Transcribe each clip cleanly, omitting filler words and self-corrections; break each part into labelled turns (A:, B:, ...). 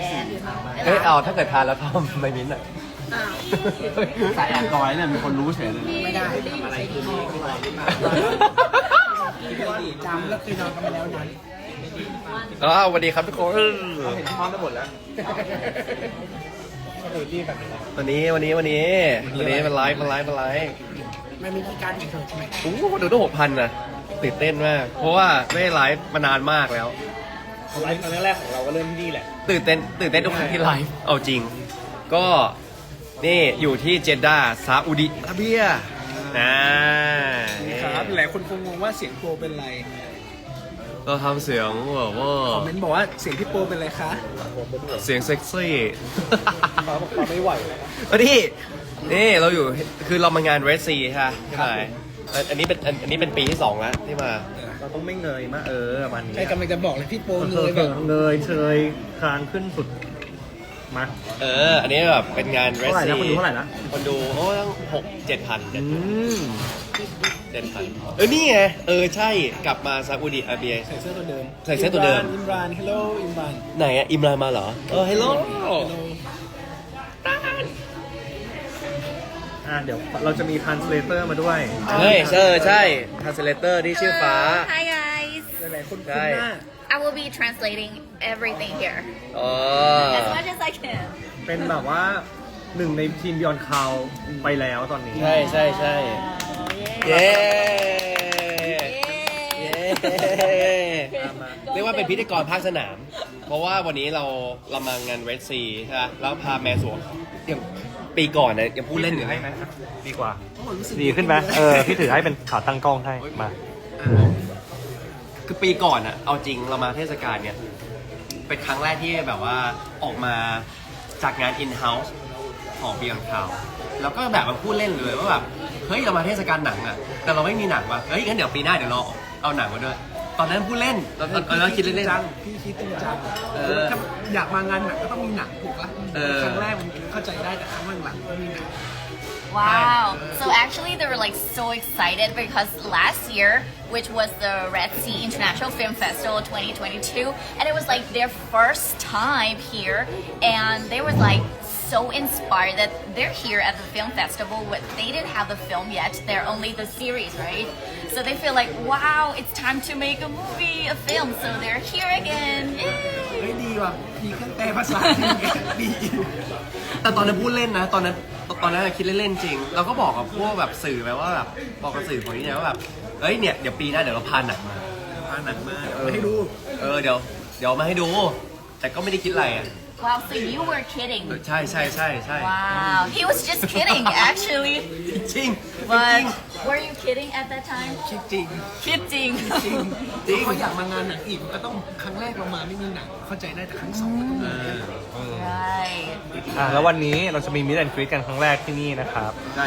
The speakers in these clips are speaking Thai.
A: เฮ้ยเอาถ้าเกิดทานแล้วทำไม่มิ้นท์อ่ะ
B: สายแอนดรอยเนี่ยมีคนรู้เฉยเลย
C: ไม่ได้ทำอะไรกินดีอะไรหรือเปล่าจำแล้วเคยนอนกันมาแล้วนั้น
A: สวัสดีครับทุกคน
B: เห็นพร้อมไปหมดแล้ว
A: วันนี้มันไลฟ์
C: มันมีที่การของเธอใช่ไหม
A: โอ้โหดูต้อง6,000นะตื่นเต้นมาก เพราะว่าไม่ได้ไลฟ์มานานมากแล้ว
B: ไลฟ์ครั้งแรกของเราก็เริ่มที่นี่แหละ
A: ตื่นเต้นทุกครั้งที่ไลฟ์เอาจริง ก็นี่อยู่ที่เจด้าซาอุดิอาระเบียนี่
B: ครับหลายคนคงงงว่าเสียงโปรเป็นไร
A: เราทำเสียงแบบว่า
B: คอมเมนต์บอกว่าเสียงพี่โปรเป็นไรคะ
A: เสียงเซ็กซี่
B: เขาบอกเขาไม่ไหวแล้วนะ
A: นี่เราอยู่คือเรามางานเรสซีใช่ไหมอันนี้เป็นปีที่2แล้วที่มา
B: เราต้องไม่เงยมากมัน
C: ใช่กำลังจะบอกเลยพี่โปเงยแบบ
B: เงยเชยคางขึ้นสุดมา
A: อันนี้แบบเป็นงานเรส
B: เท่าไหร่
A: ซี
B: นะคนดูเท่าไหร่นะ
A: คนดูโอ้ตั้ง7,000 นี่ไงใช่กลับมาซาอุดิอาระเบีย
C: ใส่เสื้อตัวเดิม
A: ใส่เสื้อตัวเดิม
C: อิมรานฮัลโหลอิมราน
A: ไหนอะอิมรานมาเหรอฮัลโหล
B: เดี๋ยวเราจะมีทรานสเลเตอร์มาด้วย
A: ใช่ทรานสเลเตอร์ที่ชื่อฟ้า
D: Hi guys.
C: หลายๆคนคุ้น
A: ใช่
C: หน้า
D: I will be translating everything here
A: อ๋อ
D: as much as I can.
B: เป็นแบบว่าหนึ่งในทีมบิออนคาวไปแล้วตอนนี้
A: ใช่เย้เรียกว่าเป็นพิธีกรภาคสนาม เพราะว่าวันนี้เรามางานเรดซีใช่ไหมแล้วพาแมนสวงอย่างปีก่อนนะยังพูดเล่นอยู่ให้ไหม
B: ดีกว่า ดีขึ้นไหมพี่ถือให้เป็นขาตั้งกล้องให้มา
A: คือปีก่อนอะเอาจริงเรามาเทศกาลเนี่ยเป็นครั้งแรกที่แบบว่าออกมาจากงาน in-house ของ Beyond Cloud แล้วก็แบบมาพูดเล่นเลยว่าแบบเฮ้ยเรามาเทศกาลหนังอะแต่เราไม่มีหนังว่ะเฮ้ยงั้นเดี๋ยวปีหน้าเดี๋ยวเราเอาหนังมาด้วย ตอนนั้นพูดเล่นตอนนั้นคิดเล่น
C: จังพี่คิดจริงจังถ้าอยากมางานหนังก็ต้องมีหนังถูกปะครั้งแรกมันเข้าใจได้แต่ครั้งหลังๆไม่มีหนัง
D: Wow. So actually they were like so excited because last year, which was the Red Sea International Film Festival 2022, and it was like their first time here, and they were like so inspired that they're here at the film festival, but they didn't have the film yet, they're only the series, right? So they feel like, wow, it's time to make a movie, a film, so they're here again. Yay!
C: เฮ้ยดีว่ะมีเครื่องแปลภาษาดี
A: แต่ตอนนั้นพูดเล่นนะตอนนั้นคิดเล่นๆจริง เราก็บอกกับพวกแบบสื่อไปว่าแบบบอกกับสื่อคนนี้เนี่ยว่าแบบเอ้ยเนี่ยเดี๋ยวปีหน้าเดี๋ยวเราพาหนังมา
C: พาหนังมาเดี๋ยวให้ดู
A: เดี๋ยวมาให้ดู แต่ก็ไม่ได้คิดอะไรอ่ะ
D: Wow, so you were kidding.
A: ใช่
D: Wow, he was just kidding actually.
A: จริง
D: But were you kidding at that time?
C: คิดจริง
D: Kidding.
C: จริงเขาอยากมางานหนังอีกก็ต้องครั้งแรกเรามาไม่มีหนังเข้าใจได้แต่ครั้งสองก็ต้องมี
D: Right.
B: แล้ววันนี้เราจะมีมิสแอนด์กรีดกันครั้งแรกที่นี่นะครับ
A: ใช่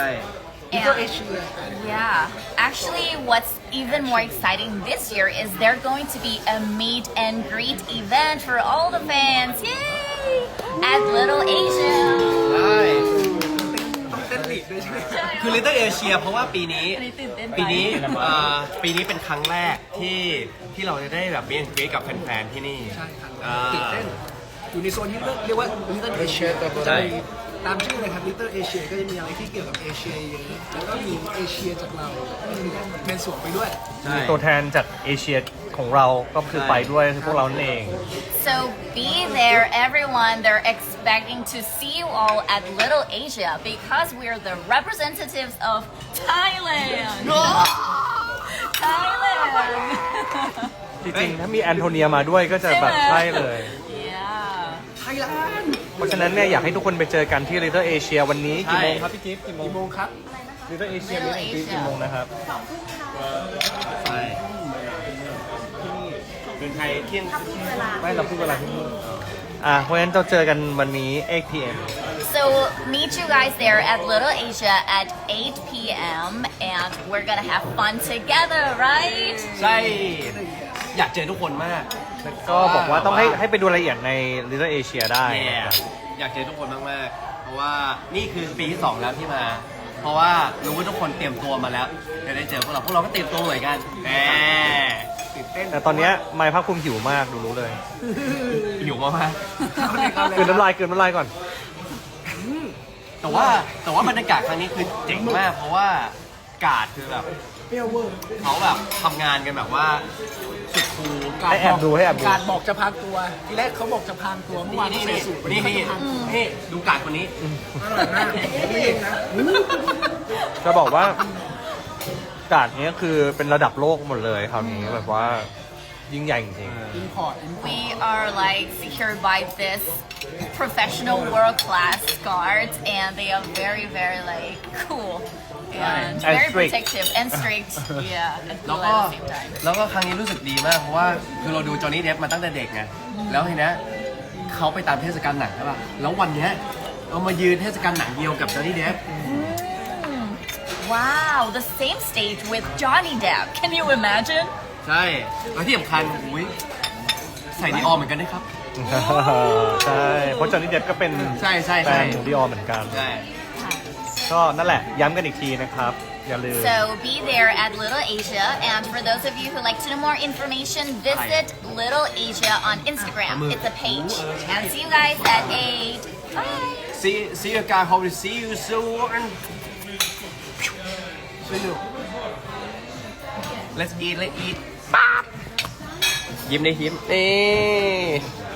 D: And, yeah, actually what's even more exciting this year is there's going to be a meet and greet event for all the fans. Yay! At Little Asia.
A: ใช่
C: ต้องเต้นลีดด้วยใช่ไหม
A: คือ Little Asia เพราะว่าปีนี้เป็นครั้งแรกที่เราจะได้แบบเบียนเกรกับแฟนๆที่นี่
C: ใช่ครับตื่นเต้นอยู่ในโซนที่เรียกว่า Little Asia
A: ใช่
C: ตามชื่อเลยครับ Little Asia ก็จะมีอะไรที่เกี่ยวกับเอเชียเยอะแล้วก็มีเอเชียจากเราแมนสวงไปด้วย
A: ใช่
B: มีตัวแทนจากเอเชียของเราก็คือไปด้วยคือพวกเรานั่นเอง
D: So be there, everyone. They're expecting to see you all at Little Asia because we're the representatives of Thailand. Thailand.
B: จริงๆถ้ามีแอนโทเนียมาด้วยก็จะแบบใช่เลย
D: Yeah.
C: ไทยแลนด์
B: เพราะฉะนั้นเนี่ยอยากให้ทุกคนไปเจอกันที่ Little Asia วันนี้กี่โมงครับพี่จิ๊บกี่โมง
C: กี่โมงครับ
B: Little Asia มิสแอนด์กรีดกี่โมงนะครับ
A: ใช่เป็นไทยเที่ยง
B: ไม่เราพูดเวลาที่นี่เพราะฉะนั้นเราเจอกันวันนี้8 p.m.
D: So meet you guys there at Little Asia at 8 p.m. and we're gonna have fun together, right?
A: ใช่ อยากเจอทุกคนมาก
B: ก็บอกว่าต้องให้ไปดูรายละเอียดใน Little Asia ได้
A: Yeah อยากเจอทุกคนมากๆ เพราะว่านี่คือปีที่2แล้วที่มา เพราะว่ารู้ว่าทุกคนเตรียมตัวมาแล้วจะได้เจอพวกเราก็เตรียมตัวเหมือนกันแหม
C: ตื่นเต้น
B: แต่ตอนเนี้ยไมค์ภาคภูมิหิวมากดูรู้เลย
A: หิวมาก
C: เอาเลยเอาเลย
B: กลืนน้ำลายกลืนน้ำลายก่อน
A: ๆแต่ว่าบรรยากาศครั้งนี้คือเจ๋งมาก เพราะว่ากาดคือแบบ
C: เปรี้ยวเวอร์
A: เขาแบบทำงานกันแบบว่าสุดคูล
B: ให้แอบดูให้แอบดู
C: การบอกจะพรางตัว ทีแรกเขาบอกจะพรางตัวเมื่อวาน
A: นี่
C: เขาใส่สูท
A: นี่นี่ดูกาดคนนี้
C: อร่อยมากนี่เองนะ
B: จะบอกว่ากาดนี้คือเป็นระดับโลกหมดเลยคราวนี้แบบว่ายิ่งใหญ่จริง
C: อินพอร์ต
D: We are like secured by this professional world class guards, and they are very, very like cool and
B: And
D: very
B: strict.
D: protective and strict. Yeah, and
A: แล้ว
D: cool
A: ก็
D: at the same time.
A: แล้วก็ครั้งนี้รู้สึกดีมาก เพราะว่าคือเราดูจอห์นนี่เดฟมาตั้งแต่เด็กไงแล้วทีเนี้ยเขาไปตามเทศกาลหนังใช่ป่ะแล้ววันเนี้ยเอามายืนเทศกาลหนังเดียวกับจอห์นนี่เดฟ
D: Wow, the same stage with Johnny Depp. Can you imagine?
A: ใช่แล้วที่สำคัญอุ้ยใส่ดีออเหมือนกันด้วยครับ
B: ๆ ใช่ เพราะจอห์นนี่เดฟก็เป็น
A: ใช่ใช่
B: แฟ
A: ใช่
B: นของดิออเหมือนกัน
A: ใช่
B: ก็นั่นแหละย้ำกันอีกทีนะครับ อย่าลืม
D: So be there at Little Asia, and for those of you who like to know more information, visit Little Asia on Instagram. It's a page. And see you guys at 8. Bye.
A: See you guys hope to see you soon see you let's eat ยิ้มได้ยิ้มนี่